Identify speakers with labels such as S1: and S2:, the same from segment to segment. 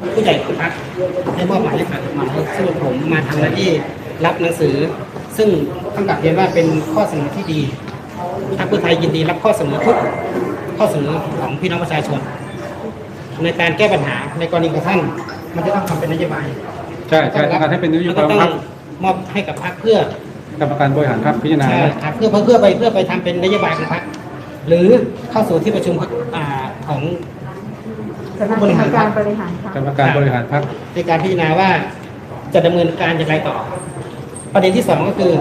S1: ผู้ใหญ่ของพรรคได้มอบหมายให้ฝ่ายกฎหมายซึ่งผมมาทำหน้าที่รับหนังสือ ซึ่งต้องกลับเรียนว่าเป็นข้อเสนอที่ดีพรรคเพื่อไทยยินดีรับข้อเสนอทุกข้อเสนอของพี่น้องประชาชนในการแก้ปัญหาในกรณีของท่านมันจะต้องทำเป็นนโยบาย
S2: ใช่การให้เป็นนโยบายของพรรค
S1: มอบให้กับพรรคเพื่อก
S2: รรมการบริหารพรรคพิจารณา
S1: ครับเพื่อไปทำเป็นนโยบายของพรรคหรือเข้าสู่ที่ประชุมของ
S3: กรรมการบริหารพรรค
S2: กรรมการบริหารพรรค
S1: ในการพิจารณาว่าจะดำเนินการอย่างไรต่อประเด็นที่สองก็คือ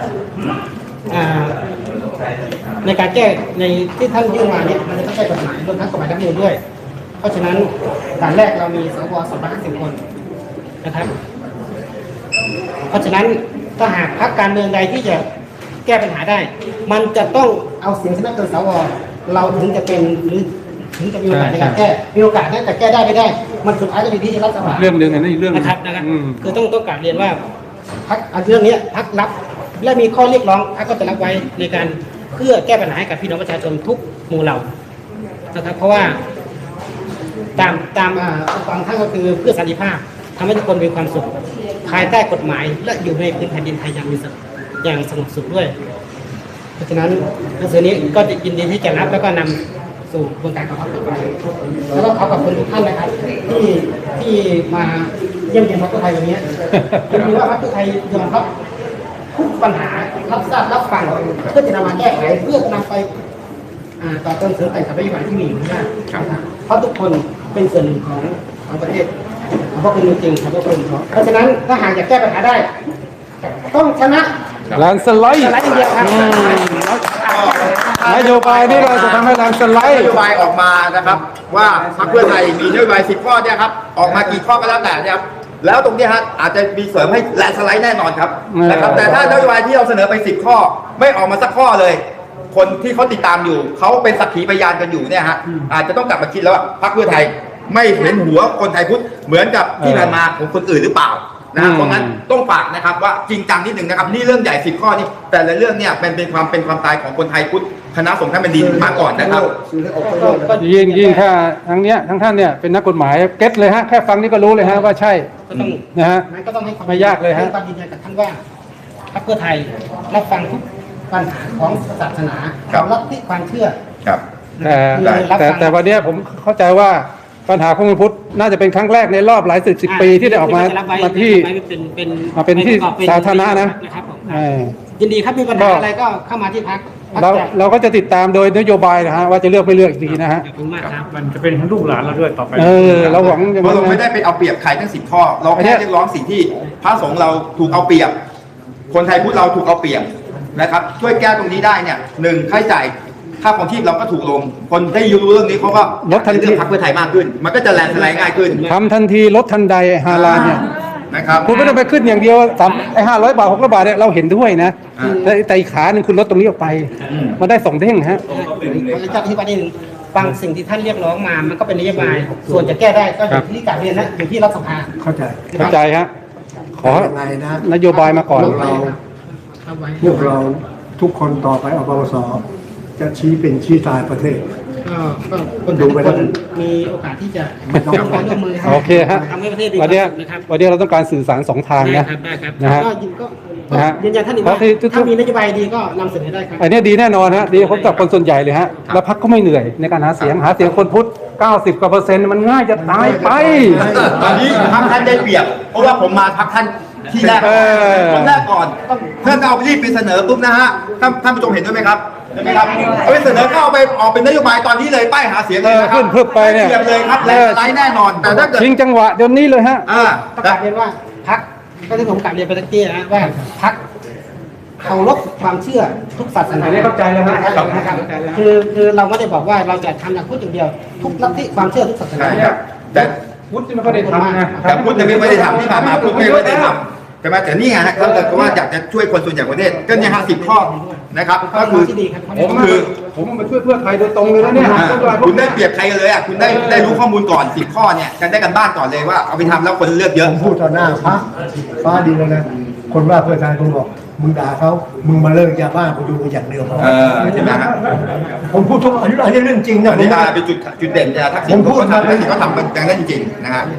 S1: ในการแก้ในที่ท่านยื่นมาเนี่ยมันจะต้องแก้กฎหมายรวมทั้งกฎหมายรัฐธรรมนูญด้วยเพราะฉะนั้นด่านแรกเรามีสว250 คนนะครับเพราะฉะนั้นถ้าหากพรรคการเมืองใดที่จะแก้ปัญหาได้มันจะต้องเอาเสียงชนะเกินสวเราถึงจะเป็นหรือถึงจะมีโอกาสในการแก้มีโอกาสแต่แก้ได้ไม่ได้มันสุดท้ายจะมีที่รัฐบาล
S2: เรื่องหนึ่งนี่เรื่อง
S1: นะครับคือต้องกลับเรียนว่าพรรคเรื่องนี้พรรครับและมีข้อเรียกร้องพรรคก็จะรับไว้ในการเพื่อแก้ปัญหาให้กับพี่น้องประชาชนทุกหมู่เหล่านะครับเพราะว่าตามฟังท่านก็คือเพื่อสันติภาพทำให้ทุกคนมีความสุขภายใต้กฎหมายและอยู่ในพื้นแผ่นดินไทยอย่างสงบสุขด้วยเพราะฉะนั้นหนังสือนี้ก็ยินดีที่จะรับแล้วก็นำสู่กระบวนการของพรรคต่อไปแล้วก็ขอขอบคุณทุกท่านนะครับที่มาเยี่ยมเยียนพรรคเพื่อไทยวันนี้ผมคิดว่าพรรคเพื่อไทยยอมรับทุกปัญหารับทราบรับฟังเพื่อจะนำมาแก้ไขเพื่อนำไปต่อเติมเสริมแต่งกับนโยบายที่มีอยู่ได้เพราะทุกคนเป็นส่วนหนึ่งของประเทศเพราะเป็นจริงครับเพราะฉะนั้นถ้าหากอยากแก้ปัญหาได้ต้องชนะ
S2: แลนสไลด์
S1: เดียวครับ
S2: นโยบายนี้เราจะทำให้แลนสไลด์
S4: นโยบายออกมานะครับว่าพรรคเพื่อไทยมีนโยบาย10 ข้อเนี่ยครับออกมากี่ข้อก็แล้วแต่เนี่ยครับแล้วตรงนี้ฮะอาจจะมีเสริมให้แลนสไลด์แน่นอนครับนะครับแต่ถ้านโยบายที่เราเสนอไป10 ข้อไม่ออกมาสักข้อเลยคนที่เขาติดตามอยู่เขาเป็นสักขีพยานกันอยู่เนี่ยฮะอาจจะต้องกลับมาคิดแล้วว่าพรรคเพื่อไทยไม่เห็นหัวคนไทยพุทธเหมือนกับที่ผ่านมาของคนอื่นหรือเปล่านะเพราะงั้นต้องฝากนะครับว่าจริงจังนิดหนึ่งนะครับนี่เรื่องใหญ่10 ข้อนี้แต่ละเรื่องเนี่ยเป็นความตายของคนไทยพุทธคณะสงฆ์ท่านแผ่นดินมาก่อนนะครับ
S2: ยิ่งถ้าทั้งเนี้ยทั้งท่านเนี่ยเป็นนักกฎหมายเก็ตเลยฮะแค่ฟังนี่ก็รู้เลยฮะว่าใช่นะฮะ
S1: ก็ต้องให้ความ
S2: ไม่ยากเลยฮะ
S1: ความยืนยันกับท่านว่าพรรคเพื่อไทยรับฟังทุกปัญหาของศาสนาลัทธิความเชื่อ
S4: ครับ
S2: แต่วันนี้ผมเข้าใจว่าปัญหาของพุทธน่าจะเป็นครั้งแรกในรอบหลายสิบปีที่ได้ออกมาที่เป็นที่สาธารณะนะ
S1: ยินดีครับมีปัญหาอะไรก็เข้ามาที่พรรค
S2: เราก็จะติดตามโดยนโยบายนะฮะว่าจะเลือกไม่เลือกอีกทีนะฮะ
S5: มันจะเป็นทั้งลูกหลานเราด้วยต่อไป
S2: เราหวัง
S4: เพราะเราไม่ได้ไปเอาเปรียบใครทั้ง10 ข้อเราแค่เรียกร้องสิ่งที่พระสงฆ์เราถูกเอาเปรียบคนไทยพุทธเราถูกเอาเปรียบนะครับช่วยแก้ตรงนี้ได้เนี่ย1ค่าใช้จ่ายค่าของชีพเราก็ถูกลงคนได้รู้เรื่องนี้เขาก็
S2: ลดทันที
S4: เลือกพรรคเพื่อไทยมากขึ้นมันก็จะแลนสไลด์ง่ายขึ้น
S2: ทำทันทีลดทันใดฮาลาลเนี่ย
S4: นะครับ
S2: คุณไม่ต้องไปขึ้นอย่างเดียว500 บาท600 บาทเนี่ยเราเห็นด้วยนะแต่อีกขาหนึ่งคุณลดตรงนี้ออกไปมันได้2 เด้งฮะ
S1: จะอธิบายนิดนึงฟังสิ่งที่ท่านเรียกร้องมามันก็เป็นนโยบายส่วนจะแก้ได้ก็อยู่ที่การเรียนนะอยู่ที่รัฐสภา
S2: เข้าใจฮะขอนโยบายมาก่อน
S6: พวกเราทุกคนต่อไปอปปสจะชี้เป็นชี้ตายประเทศ
S1: ก็คนทุกคนมีโอกาสที่จะร่วมมือ
S2: โอเคฮะวันนี้เราต้องการสื่อสาร2 ทางนะ
S1: นะฮะยืนยันท่านอีกว่าถ้ามีนโยบายดีก็นำเสนอได้ครับ
S2: อันนี้ดีแน่นอนฮะดีผมกับคนส่วนใหญ่เลยฮะแล้วพรรคก็ไม่เหนื่อยในการหาเสียงคนพุทธ90%กว่ามันง่ายจะตายไป
S4: ตอนนี้พรรคท่านได้เปรียบเพราะว่าผมมาพรรคท่านที่แรกคนแรกก่อนเพื่อนเอารีบไปเสนอปุ๊บนะฮะท่านผู้ชมเห็นด้วยไหมครับเห็นไหมครับเอาไปเสนอเข้าไปออกเป็นนโยบายตอนนี้เลยป้ายหาเสียงเลย
S2: ขึ้นเพิ่มไปเนี่ย
S4: เลยครับแลนสไลด์แน่นอนแต่ถ้าเกิด
S2: ชิงจังหวะเดี๋ยวนี้เลยฮะ
S1: ประกาศเรียนว่าพรรคก็ที่ผมกลับเรียนไปตะกี้นะว่าพรรคเคารพความเชื่อทุกศาสนา
S2: เข้าใจแล้วครับ
S1: คือเราไม่ได้บอกว่าเราจะทำอย่างพุทธอย่างเดียวทุกลัทธิความเชื่อทุกศาสนา
S4: แต่
S2: พุทธไม่ได้ทำนะ
S4: แต่พุทธไม่ได้ทำที่ผ่านมาพุทธไม่ได้ทำแต่มาแต่นี่ไงฮะเขาแต่ว่าอยากจะช่วยคนส่วนใหญ่ประเทศก็เนี่ย10 ข้อนะครับก็คือ
S2: ผมมาช่วยเพื่อไทยโดยตรงเลยนะเนี่ย
S4: คุณได้เปรียบใครกันเลยอ่ะคุณได้รู้ข้อมูลก่อน10 ข้อเนี่ยกันได้กันบ้านก่อนเลยว่าเอาไปทำแล้วคนเลือกเยอะ
S6: พูดต่อหน้าพระฟ้าดีเลยนะคนว่าเพื่อไทยคุณบอกมึงด่าเขามึงมาเลิกยาบ้ากูดูอย่างเดียว
S4: ใช่ไหมฮะ
S6: ผมพูดทุกอันนี้เรื่องจริงนะ
S4: นี่เป็นจุดเด่นทักษิณเขาทำกันได้จริงๆนะฮะ